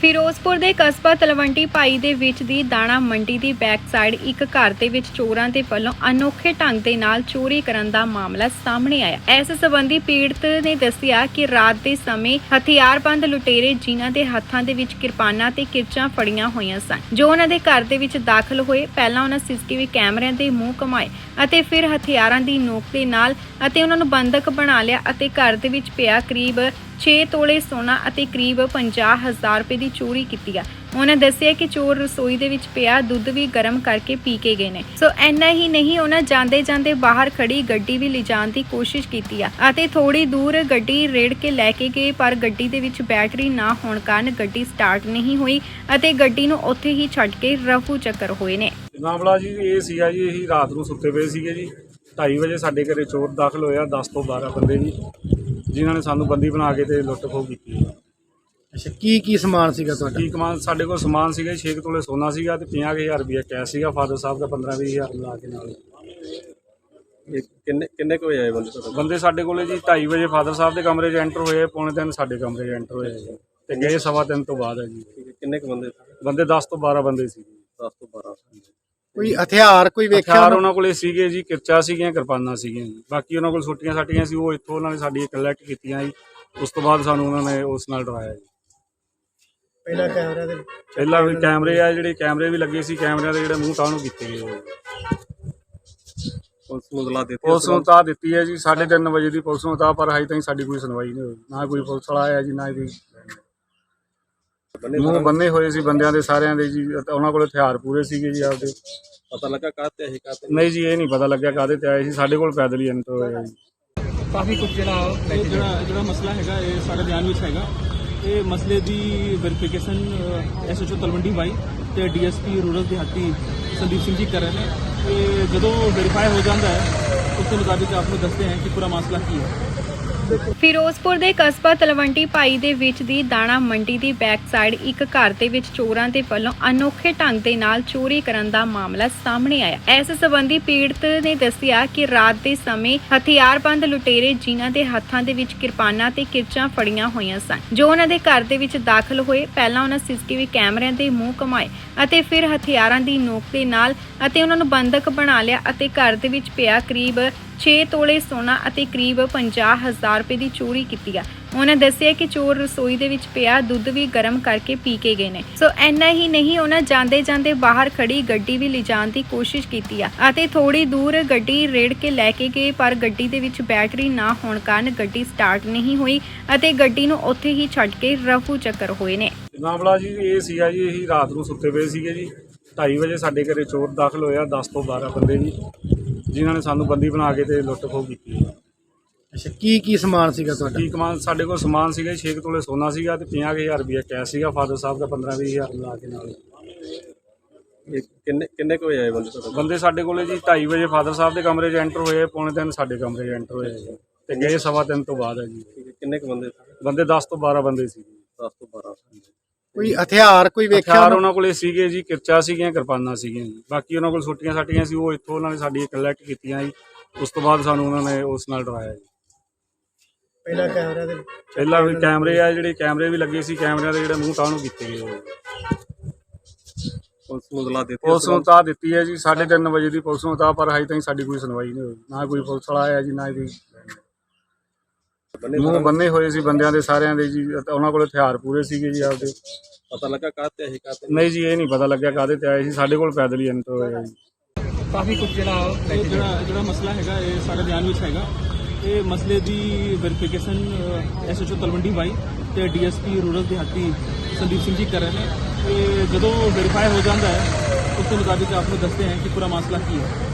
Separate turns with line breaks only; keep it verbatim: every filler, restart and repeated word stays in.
ਫਿਰੋਜ਼ਪੁਰ ਦੇ ਕਸਬਾ ਤਲਵੰਡੀ ਭਾਈ ਦੇ ਵਿੱਚ ਦੀ ਦਾਣਾ ਮੰਡੀ ਦੀ ਬੈਕ ਸਾਈਡ ਇੱਕ ਘਰ ਦੇ ਵਿੱਚ ਚੋਰਾਂ ਦੇ ਵੱਲੋਂ ਅਨੋਖੇ ਢੰਗ ਦੇ ਨਾਲ ਚੋਰੀ ਕਰਨ ਦਾ ਮਾਮਲਾ ਸਾਹਮਣੇ ਆਇਆ। ਇਸ ਸੰਬੰਧੀ ਪੀੜਤ ਨੇ ਦੱਸਿਆ ਕਿ ਰਾਤ ਦੇ ਸਮੇਂ ਹਥਿਆਰਬੰਦ ਲੁਟੇਰੇ ਜਿਨ੍ਹਾਂ ਦੇ ਹੱਥਾਂ ਦੇ ਵਿੱਚ ਕਿਰਪਾਨਾਂ ਤੇ ਕਿਰਚਾਂ ਫੜੀਆਂ ਹੋਈਆਂ ਸਨ, ਜੋ ਉਹਨਾਂ ਦੇ ਘਰ ਦੇ ਵਿੱਚ ਦਾਖਲ ਹੋਏ। ਪਹਿਲਾਂ ਉਹਨਾਂ ਸੀਸੀਟੀਵੀ ਕੈਮਰਿਆਂ ਦੇ ਮੂੰਹ ਘੁਮਾਏ ਅਤੇ ਫਿਰ ਹਥਿਆਰਾਂ ਦੀ ਨੋਕ ਦੇ ਨਾਲ ਅਤੇ ਉਹਨਾਂ ਨੂੰ ਬੰਦਕ ਬਣਾ ਲਿਆ ਅਤੇ ਘਰ ਦੇ ਵਿੱਚ ਪਿਆ ਕਰੀਬ ਛੇ ਤੋਲੇ ਸੋਨਾ ਅਤੇ ਕਰੀਬ ਪੰਜਾਹ ਹਜ਼ਾਰ ਰੁਪਏ ਦੀ ਚੋਰੀ ਕੀਤੀ ਆ। ਉਹਨਾਂ ਦੱਸਿਆ ਕਿ ਚੋਰ ਰਸੋਈ ਦੇ ਵਿੱਚ ਪਿਆ ਦੁੱਧ ਵੀ ਗਰਮ ਕਰਕੇ ਪੀ ਕੇ ਗਏ ਨੇ। ਸੋ ਇੰਨਾ ਹੀ ਨਹੀਂ, ਉਹਨਾਂ ਜਾਂਦੇ ਜਾਂਦੇ ਬਾਹਰ ਖੜੀ ਗੱਡੀ ਵੀ ਲਿਜਾਣ ਦੀ ਕੋਸ਼ਿਸ਼ ਕੀਤੀ ਆ ਅਤੇ ਥੋੜੀ ਦੂਰ ਗੱਡੀ ਰੇੜ ਕੇ ਲੈ ਕੇ ਗਏ, ਪਰ ਗੱਡੀ ਦੇ ਵਿੱਚ ਬੈਟਰੀ ਨਾ ਹੋਣ ਕਾਰਨ ਗੱਡੀ ਸਟਾਰਟ ਨਹੀਂ ਹੋਈ ਅਤੇ ਗੱਡੀ ਨੂੰ ਉੱਥੇ ਹੀ ਛੱਡ ਕੇ ਰਫੂ ਚੱਕਰ ਹੋਏ ਨੇ।
ਮਾਮਲਾ ਜੀ ਇਹ ਸੀਗਾ ਜੀ, ਇਹੀ ਰਾਤ ਨੂੰ ਸੁੱਤੇ ਪਏ ਸੀਗੇ ਜੀ। ਢਾਈ ਵਜੇ ਸਾਡੇ ਘਰੇ ਚੋਰ ਦਾਖਲ ਹੋਇਆ, ਦਸ ਤੋਂ ਬਾਰਾਂ ਬੰਦੇ ਜੀ, ਜਿਨ੍ਹਾਂ ਨੇ ਸਾਨੂੰ ਬੰਦੀ ਬਣਾ ਕੇ ਤੇ ਲੁੱਟ ਖੋਹ ਕੀਤੀ।
ਅੱਛਾ, ਕੀ ਕੀ ਸਮਾਨ ਸੀਗਾ ਤੁਹਾਡਾ?
ਕੀ ਕਮਾਨ ਸਾਡੇ ਕੋਲ ਸਮਾਨ ਸੀਗਾ, ਛੇ ਤੋਲੇ ਸੋਨਾ ਸੀਗਾ ਤੇ ਪੰਜਾਹ ਹਜ਼ਾਰ ਰੁਪਇਆ ਕੈਸ਼ ਸੀਗਾ। ਫਾਦਰ ਸਾਹਿਬ ਦਾ ਪੰਦਰਾਂ ਵੀਹ ਹਜ਼ਾਰ ਲਾ ਕੇ ਨਾਲ।
ਇਹ ਕਿੰਨੇ ਕਿੰਨੇ ਕੁ ਵਜੇ ਆਏ ਬੰਦੇ ਤੁਹਾਡੇ?
ਬੰਦੇ ਸਾਡੇ ਕੋਲੇ ਜੀ ਢਾਈ ਵਜੇ ਫਾਦਰ ਸਾਹਿਬ ਦੇ ਕਮਰੇ 'ਚ ਐਂਟਰ ਹੋਏ, ਪੌਣੇ ਤਿੰਨ ਸਾਡੇ ਕਮਰੇ 'ਚ ਐਂਟਰ ਹੋਏ ਜੀ ਤੇ ਗਏ ਸਵਾ ਤਿੰਨ ਤੋਂ ਬਾਅਦ ਹੈ ਜੀ।
ਠੀਕ ਹੈ, ਕਿੰਨੇ ਕੁ ਬੰਦੇ?
ਬੰਦੇ ਦਸ ਤੋਂ ਬਾਰਾਂ ਬੰਦੇ ਸੀ।
ਦਸ ਤੋਂ ਬਾਰਾਂ।
ਕੋਈ ਹਥਿਆਰ ਕੋਈ ਵੇਖਿਆ?
ਹਥਿਆਰ ਉਹਨਾਂ ਕੋਲੇ ਸੀਗੇ ਜੀ, ਕਿਰਚਾ ਸੀਗੀਆਂ, ਕਿਰਪਾਨਾਂ ਸੀਗੀਆਂ ਜੀ। ਬਾਕੀ ਉਹਨਾਂ ਕੋਲ ਛੁੱਟੀਆਂ ਸਾਟੀਆਂ ਸੀ, ਉਹ ਇੱਥੋਂ ਉਹਨਾਂ ਨੇ ਸਾਡੀ ਕਲੈਕਟ ਕੀਤੀਆਂ ਜੀ। ਉਸ ਤੋਂ ਬਾਅਦ ਸਾਨੂੰ ਉਹਨਾਂ ਨੇ ਉਸ ਨਾਲ ਡਰਾਇਆ ਜੀ।
ਪਹਿਲਾਂ ਕੈਮਰਾ ਦੇ
ਪਹਿਲਾਂ ਵੀ ਕੈਮਰੇ ਆ, ਜਿਹੜੇ ਕੈਮਰੇ ਵੀ ਲੱਗੇ ਸੀ, ਕੈਮਰਿਆਂ ਦੇ ਜਿਹੜੇ ਮੂੰਹ ਤਾਣੂ ਕੀਤੇ ਗਏ ਹੋਏ।
ਪੁਲਿਸ ਨੂੰ ਇਤਲਾਹ ਦਿੱਤੀ?
ਪੁਲਿਸ ਨੂੰ ਤਾਂ ਦਿੱਤੀ ਹੈ ਜੀ, ਸਾਢੇ ਤਿੰਨ ਵਜੇ ਦੀ ਪੁਲਿਸ ਨੂੰ ਤਾਂ, ਪਰ ਹਜੇ ਤਾਈਂ ਸਾਡੀ ਕੋਈ ਸੁਣਵਾਈ ਨਹੀਂ ਹੋਈ। ਨਾ ਕੋਈ ਪੁਲਿਸ ਵਾਲਾ ਆਇਆ ਜੀ, ਨਾ ਕੋਈ। ਮੂੰਹ ਬੰਨੇ ਹੋਏ ਸੀ ਬੰਦਿਆਂ ਦੇ ਸਾਰਿਆਂ ਦੇ ਜੀ, ਉਹਨਾਂ ਕੋਲ ਹਥਿਆਰ ਪੂਰੇ ਸੀਗੇ ਜੀ ਆਪਦੇ।
ਪਤਾ ਲੱਗਾ ਕਾਹਤੇ ਆਏ? ਕਾਹਤੇ
ਨਹੀਂ ਜੀ, ਇਹ ਨਹੀਂ ਪਤਾ ਲੱਗਿਆ ਕਾਹਦੇ ਤੇ ਆਏ ਸੀ। ਸਾਡੇ ਕੋਲ ਪੈਦਲ ਹੀ ਐਂਟਰ ਹੋਇਆ ਜੀ।
ਕਾਫੀ ਕੁਝ ਜਿਹੜਾ ਜਿਹੜਾ ਜਿਹੜਾ ਮਸਲਾ ਹੈਗਾ, ਇਹ ਸਾਡੇ ਧਿਆਨ ਵਿੱਚ ਹੈਗਾ। ਇਹ ਮਸਲੇ ਦੀ verification S H O Talwandi Bhai ਤੇ ਡੀ ਐਸ ਪੀ ਰੂਰਲ ਦਿਹਾਤੀ ਸੰਦੀਪ ਸਿੰਘ ਜੀ ਕਰ ਰਹੇ ਨੇ। ਤੇ ਜਦੋਂ ਵੈਰੀਫਾਈ ਹੋ ਜਾਂਦਾ ਹੈ, ਉਸ ਦੇ ਮੁਤਾਬਿਕ ਆਪ ਨੂੰ ਦੱਸਦੇ ਹਾਂ ਕਿ ਪੂਰਾ ਮਸਲਾ ਕੀ ਹੈ।
ਫਿਰੋਜ਼ਪੁਰ ਦੇ ਕਸਬਾ ਤਲਵੰਡੀ ਭਾਈ ਦੇ ਵਿੱਚ ਦੀ ਦਾਣਾ ਮੰਡੀ ਦੀ ਬੈਕ ਸਾਈਡ ਇੱਕ ਘਰ ਦੇ ਵਿੱਚ ਚੋਰਾਂ ਦੇ ਵੱਲੋਂ ਅਨੋਖੇ ਢੰਗ ਦੇ ਨਾਲ ਚੋਰੀ ਕਰਨ ਦਾ ਮਾਮਲਾ ਸਾਹਮਣੇ ਆਇਆ। ਇਸ ਸੰਬੰਧੀ ਪੀੜਤ ਨੇ ਦੱਸਿਆ ਕਿ ਰਾਤ ਦੇ ਸਮੇਂ ਹਥਿਆਰਬੰਦ ਲੁਟੇਰੇ ਜਿਨ੍ਹਾਂ ਦੇ ਹੱਥਾਂ ਦੇ ਵਿੱਚ ਕਿਰਪਾਨਾਂ ਤੇ ਕਿਰਚਾਂ ਫੜੀਆਂ ਹੋਈਆਂ ਸਨ, ਜੋ ਉਹਨਾਂ ਦੇ ਘਰ ਦੇ ਵਿੱਚ ਦਾਖਲ ਹੋਏ। ਪਹਿਲਾਂ ਉਹਨਾਂ ਸੀਸੀਟੀਵੀ ਕੈਮਰਿਆਂ ਦੇ ਮੂੰਹ ਘੁਮਾਏ ਅਤੇ ਫਿਰ ਹਥਿਆਰਾਂ ਦੀ ਨੋਕ ਦੇ ਨਾਲ ਅਤੇ ਉਹਨਾਂ ਨੂੰ ਬੰਦਕ ਬਣਾ ਲਿਆ ਅਤੇ ਘਰ ਦੇ ਵਿੱਚ ਪਿਆ ਕਰੀਬ ਛੇ ਤੋਲੇ ਸੋਨਾ ਅਤੇ ਕਰੀਬ ਪੰਜਾਹ ਹਜ਼ਾਰ ਰੁਪਏ ਦੀ ਚੋਰੀ ਕੀਤੀ ਆ। ਉਹਨਾਂ ਦੱਸਿਆ ਕਿ ਚੋਰ ਰਸੋਈ ਦੇ ਵਿੱਚ ਪਿਆ ਦੁੱਧ ਵੀ ਗਰਮ ਕਰਕੇ ਪੀ ਕੇ ਗਏ ਨੇ। ਸੋ ਇੰਨਾ ਹੀ ਨਹੀਂ, ਉਹਨਾਂ ਜਾਂਦੇ ਜਾਂਦੇ ਬਾਹਰ ਖੜੀ ਗੱਡੀ ਵੀ ਲਿਜਾਣ ਦੀ ਕੋਸ਼ਿਸ਼ ਕੀਤੀ ਆ ਅਤੇ ਥੋੜੀ ਦੂਰ ਗੱਡੀ ਰੇੜ ਕੇ ਲੈ ਕੇ ਗਏ, ਪਰ ਗੱਡੀ ਦੇ ਵਿੱਚ ਬੈਟਰੀ ਨਾ ਹੋਣ ਕਾਰਨ ਗੱਡੀ ਸਟਾਰਟ ਨਹੀਂ ਹੋਈ ਅਤੇ ਗੱਡੀ ਨੂੰ ਉੱਥੇ ਹੀ ਛੱਡ ਕੇ ਰਫੂ ਚੱਕਰ ਹੋਏ ਨੇ।
ਮਾਮਲਾ ਜੀ ਇਹ ਸੀਗਾ ਜੀ, ਇਹੀ ਰਾਤ ਨੂੰ ਸੁੱਤੇ ਪਏ ਸੀਗੇ ਜੀ। ਢਾਈ ਵਜੇ ਸਾਡੇ ਘਰੇ ਚੋਰ ਦਾਖਲ ਹੋਇਆ, ਦਸ ਤੋਂ ਬਾਰਾਂ ਬੰਦੇ ਜੀ, ਜਿਨ੍ਹਾਂ ਨੇ ਸਾਨੂੰ ਬੰਦੀ ਬਣਾ ਕੇ ਤੇ ਲੁੱਟ ਖੋਹ ਕੀਤੀ।
ਅੱਛਾ, ਕੀ ਕੀ ਸਮਾਨ ਸੀਗਾ ਤੁਹਾਡਾ?
ਕੀ ਕਮਾਨ ਸਾਡੇ ਕੋਲ ਸਮਾਨ ਸੀਗਾ, ਛੇ ਤੋਲੇ ਸੋਨਾ ਸੀਗਾ ਤੇ ਪੰਜਾਹ ਹਜ਼ਾਰ ਰੁਪਇਆ ਕੈਸ਼ ਸੀਗਾ। ਫਾਦਰ ਸਾਹਿਬ ਦਾ ਪੰਦਰਾਂ ਵੀਹ ਹਜ਼ਾਰ ਲਾ ਕੇ ਨਾਲ।
ਇਹ ਕਿੰਨੇ ਕਿੰਨੇ ਕੁ ਵਜੇ ਆਏ ਬੰਦੇ ਤੁਹਾਡੇ?
ਬੰਦੇ ਸਾਡੇ ਕੋਲੇ ਜੀ ਢਾਈ ਵਜੇ ਫਾਦਰ ਸਾਹਿਬ ਦੇ ਕਮਰੇ 'ਚ ਐਂਟਰ ਹੋਏ, ਪੌਣੇ ਤਿੰਨ ਸਾਡੇ ਕਮਰੇ 'ਚ ਐਂਟਰ ਹੋਏ ਜੀ ਤੇ ਗਏ ਸਵਾ ਤਿੰਨ ਤੋਂ ਬਾਅਦ ਹੈ ਜੀ।
ਠੀਕ ਹੈ, ਕਿੰਨੇ ਕੁ ਬੰਦੇ?
ਬੰਦੇ ਦਸ ਤੋਂ ਬਾਰਾਂ ਬੰਦੇ ਸੀ।
ਦਸ ਤੋਂ ਬਾਰਾਂ।
ਕੋਈ ਹਥਿਆਰ ਕੋਈ ਵੇਖਿਆ?
ਹਥਿਆਰ ਉਹਨਾਂ ਕੋਲੇ ਸੀਗੇ ਜੀ, ਕਿਰਚਾ ਸੀਗੀਆਂ, ਕਿਰਪਾਨਾਂ ਸੀਗੀਆਂ ਜੀ। ਬਾਕੀ ਉਹਨਾਂ ਕੋਲ ਛੁੱਟੀਆਂ ਸਾਟੀਆਂ ਸੀ, ਉਹ ਇੱਥੋਂ ਉਹਨਾਂ ਨੇ ਸਾਡੀ ਕਲੈਕਟ ਕੀਤੀਆਂ ਜੀ। ਉਸ ਤੋਂ ਬਾਅਦ ਸਾਨੂੰ ਉਹਨਾਂ ਨੇ ਉਸ ਨਾਲ ਡਰਾਇਆ ਜੀ।
ਪਹਿਲਾਂ ਕੈਮਰਾ ਦੇ
ਪਹਿਲਾਂ ਵੀ ਕੈਮਰੇ ਆ, ਜਿਹੜੇ ਕੈਮਰੇ ਵੀ ਲੱਗੇ ਸੀ, ਕੈਮਰਿਆਂ ਦੇ ਜਿਹੜੇ ਮੂੰਹ ਤਾਣੂ ਕੀਤੇ ਗਏ ਹੋਏ।
ਪੁਲਿਸ ਨੂੰ ਇਤਲਾਹ ਦਿੱਤੀ?
ਪੁਲਿਸ ਨੂੰ ਤਾਂ ਦਿੱਤੀ ਹੈ ਜੀ, ਸਾਢੇ ਤਿੰਨ ਵਜੇ ਦੀ ਪੁਲਿਸ ਨੂੰ ਤਾਂ, ਪਰ ਹਜੇ ਤਾਈਂ ਸਾਡੀ ਕੋਈ ਸੁਣਵਾਈ ਨਹੀਂ ਹੋਈ। ਨਾ ਕੋਈ ਪੁਲਿਸ ਵਾਲਾ ਆਇਆ ਜੀ, ਨਾ ਕੋਈ। ਮੂੰਹ ਬੰਨੇ ਹੋਏ ਸੀ ਬੰਦਿਆਂ ਦੇ ਸਾਰਿਆਂ ਦੇ ਜੀ, ਉਹਨਾਂ ਕੋਲ ਹਥਿਆਰ ਪੂਰੇ ਸੀਗੇ ਜੀ ਆਪਦੇ।
ਪਤਾ ਲੱਗਾ ਕਾਹਤੇ ਆਏ? ਕਾਹਤੇ?
ਨਹੀਂ ਜੀ, ਇਹ ਨਹੀਂ ਪਤਾ ਲੱਗਿਆ ਕਾਹਦੇ ਤੇ ਆਏ ਸੀ। ਸਾਡੇ ਕੋਲ ਪੈਦਲ ਹੀ ਐਂਟਰ ਹੋਇਆ ਜੀ।
ਕਾਫੀ ਕੁਝ ਜਿਹੜਾ ਜਿਹੜਾ ਜਿਹੜਾ ਮਸਲਾ ਹੈਗਾ, ਇਹ ਸਾਡੇ ਧਿਆਨ ਵਿੱਚ ਹੈਗਾ। ਇਹ ਮਸਲੇ ਦੀ verification S H O Talwandi Bhai ਤੇ ਡੀ ਐਸ ਪੀ ਰੂਰਲ ਦਿਹਾਤੀ ਸੰਦੀਪ ਸਿੰਘ ਜੀ ਕਰ ਰਹੇ ਨੇ। ਤੇ ਜਦੋਂ ਵੈਰੀਫਾਈ ਹੋ ਜਾਂਦਾ ਹੈ, ਉਸ ਦੇ ਮੁਤਾਬਿਕ ਆਪ ਨੂੰ ਦੱਸਦੇ ਹਾਂ ਕਿ ਪੂਰਾ ਮਸਲਾ ਕੀ ਹੈ।